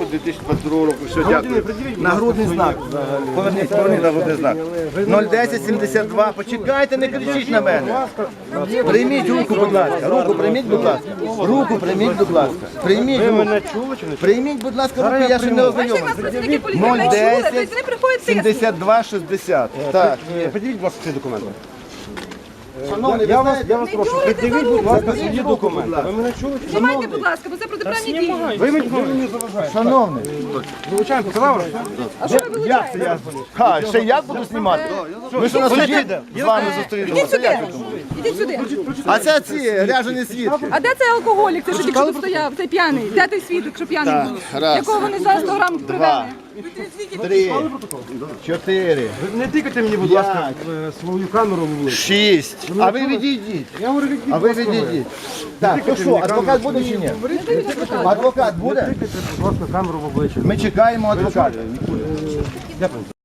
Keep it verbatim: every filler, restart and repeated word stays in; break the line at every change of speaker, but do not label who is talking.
дві тисячі двадцять другого року. Все, дякую. Нагрудний знак. Поверніть, поверніть нагрудний знак. нуль десять сімдесят два. Почекайте, не кричіть на мене. Прийміть руку, будь ласка. Руку прийміть, будь ласка. Руку прийміть, будь ласка. Прийміть руку. Прийміть, будь ласка, руку, я ще не ознайомився. нуль десять сімдесят два шістдесят. Так, є.
Подивіть, будь ласка, ці документи.
Шановний,
Я
ви
вас, я вас прошу, придивіть, будь ласка, свої документи. Ви мене чули?
Знімайте, будь ласка, бо це протиправні дії.
Ви мені ви мені заважаєте.
Шановний.
Вилучаємо, це лавра?
А що ви
Як це
вилучаєте?
я? Ха, ще як буду знімати? Ми що на суді з вами зустрінемося?
Ідіть сюди. Ідіть сюди.
А це ці ряжені свідки.
А де цей алкоголік? Це що тільки що стояв, цей п'яний? Де той свідок, що п'яний
Так,
був?
раз.
Якого вони за сто грам привели?
Три, чотири,
Ви не тикайте мені, будь ласка, в свою камеру в обличчя.
шість. А ви відійдіть.
Я говорю, відійдіть.
А ви відійдіть. Так, то що, адвокат буде чи ні? Адвокат буде?
Тикайте, будь ласка, камеру в обличчя.
Ми чекаємо адвоката.
Дякую.